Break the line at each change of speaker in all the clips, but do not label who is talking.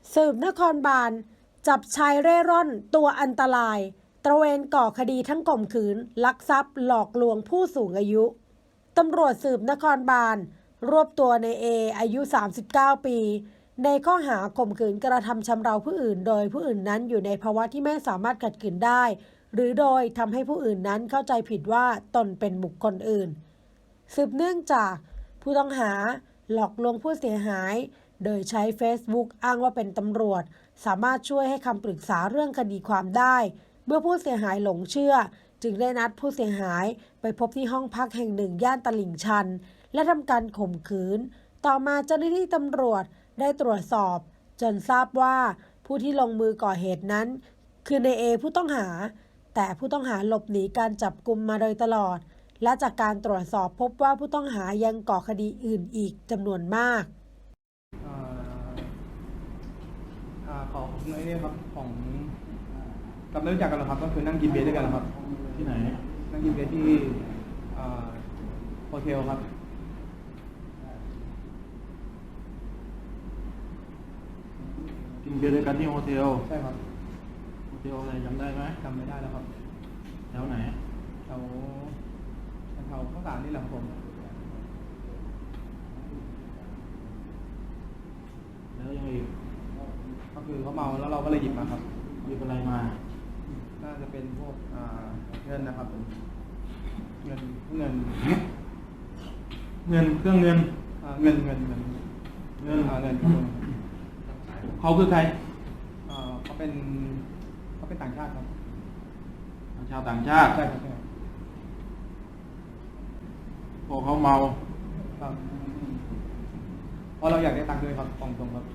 สืบนครบาลจับชายเร่ร่อนตัวอันตรายตระเวนก่อคดีทั้งข่มขืนลักทรัพย์หลอกลวงผู้สูงอายุตำรวจสืบนครบาลรวบตัวในเออายุ39ปีในข้อหาข่มขืนกระทำชำเราผู้อื่นโดยผู้อื่นนั้นอยู่ในภาวะที่ไม่สามารถขัดขืนได้หรือโดยทำให้ผู้อื่นนั้นเข้าใจผิดว่าตนเป็นบุคคลอื่นสืบเนื่องจากผู้ต้องหาหลอกลวงผู้เสียหายโดยใช้ Facebook อ้างว่าเป็นตำรวจสามารถช่วยให้คำปรึกษาเรื่องคดีความได้เมื่อผู้เสียหายหลงเชื่อจึงได้นัดผู้เสียหายไปพบที่ห้องพักแห่งหนึ่งย่านตลิ่งชันและทำการข่มขืนต่อมาเจ้าหน้าที่ตำรวจได้ตรวจสอบจนทราบว่าผู้ที่ลงมือก่อเหตุนั้นคือในเอผู้ต้องหาแต่ผู้ต้องหาหลบหนีการจับกุมมาโดยตลอดและจากการตรวจสอบพบว่าผู้ต้องหายังก่อคดีอื่นอีกจำนวนมาก
ของไอ้นี่ครับของกับไม่รู้จักกันหรอครับก็คือนั่งกินเบียร์ด้วยกันครับ
ที่ไหน
นั่งกินเบียร์ที่โฮเทลครับ
กินเบียร์ด้วยกันที่โฮเทล
ใช่ครับ
โฮเทลอะไรจำได้ไหม
จำไม่ได้แล้วครับ
แถวไหน
แถวข้าวสารนี่แหละครับผม
แล้วยังอีก
ก็คือเขาเมาแล้วเราก็เลยหยิบมาครับ
หยิบอะไรมา
น่าจะเป็นพวกเงินนะครับเงินเครื่อง
เงินเขาคือใคร
เขาเป็นต่างชาติครับ
ชาวต่างชาติ
ใช่ครับ
พอเขาเมา
ครับเพราะเราอยากได้ตังค์ด้วยครับตรงครับ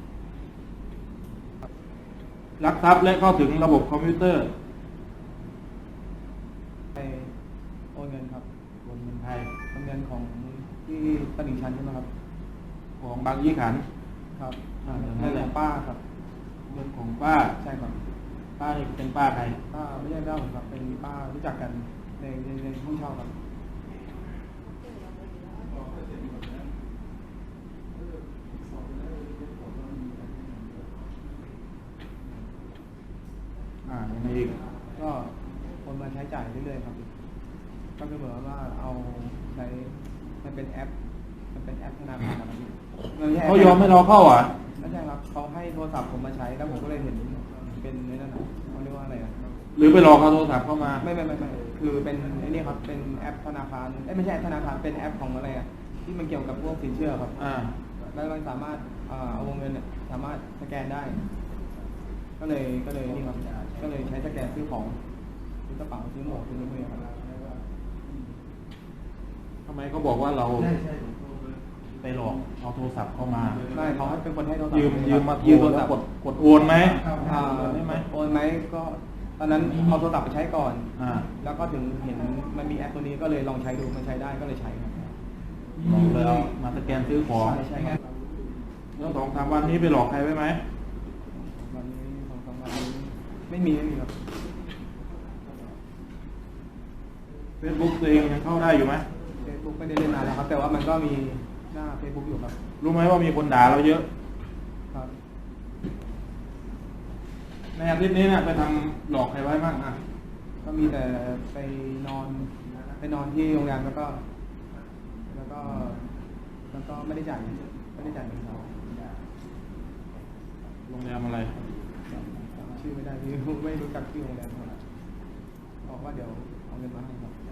ลักทรัพย์และเข้าถึงระบบคอมพิวเตอร์
ไปโอนเงินครับ
โอนเงินไทย
โอนเงินของที่ตลิ่งชันใช่ไหมครับ
ของบางยี่ขัน
ครับเงินของป้าครับ
เงินของป้า
ใช่ครับ
ป้านี่เป็นป้าใคร
ป้าไม่ใช่ป้าผมครับเป็นป้ารู้จักกันในห้องเช่าครับ
ยังไงอีก
ก็คนมาใช้จ่ายเรื่อยๆครับก็คือเหมือนว่าเอาใช้มันเป็นแอปธนาคารนะครับ
เขายอมให้เราเข้าอ่ะ
ไม่ใช่ครับเขาให้โทรศัพท์ผมมาใช้แล้วผมก็เลยเห็นเป็นในนั้นเขาเรียกว่าอะไรอ่ะ
หรือไปรอเขาโทรศัพท์เข้ามา
ไม่คือเป็นไอ้นี่ครับเป็นแอปธนาคารไม่ใช่แอปธนาคารเป็นแอปของอะไรอ่ะที่มันเกี่ยวกับพวกสินเชื่อครับแล้วมันสามารถเอาวงเงินสามารถสแกนได้ก็เลยนี่ครับก็เลยใช้สแกนซื้อของซื้อกระเป๋าซื้อหมวกซื้อมือครับ
ทำไมเขาบอกว่าเราไปหลอกเอาโทรศัพท์เข้ามา
ไม่เขาเป็นคนให้โทรศัพท์
ยืมมาโทรศัพท์กดโอนไหม
โอนไหมก็ตอนนั้นเอาโทรศัพท์ไปใช้ก่อนแล้วก็ถึงเห็นมันมีแอปตัวนี้ก็เลยลองใช้ดูมันใช้ได้ก็เลยใช้ครับ
เลยเอามาสแกนซื้อของ
ใช่ครับ
แล้ว2-3 วันนี้ไปหลอกใครไว้ไหม
วันนี้2-3 วันนี้ไม่มีครับ
Facebook ตัวเองยังเข้าได้อยู่ไหม
Facebook ไม่ได้เล่นนานแล้วครับแต่ว่ามันก็มีหน้า Facebook อยู่ครับ
รู้ไหมว่ามีคนด่าเราเยอะ
ครับ
ในอาทิตย์นี้เนี่ยไปทำหลอกใครไว้บ้าง
ก็มีแต่ไปนอนที่โรงแรมแล้วก็ไม่ได้จ่ายเงินเขา
โรงแรมอะไร
ชื่อไม่ได้ไม่รู้จักชื่อโรงแรมครับบอกว่าเดี๋ยวเอาเงินมาให้ครับ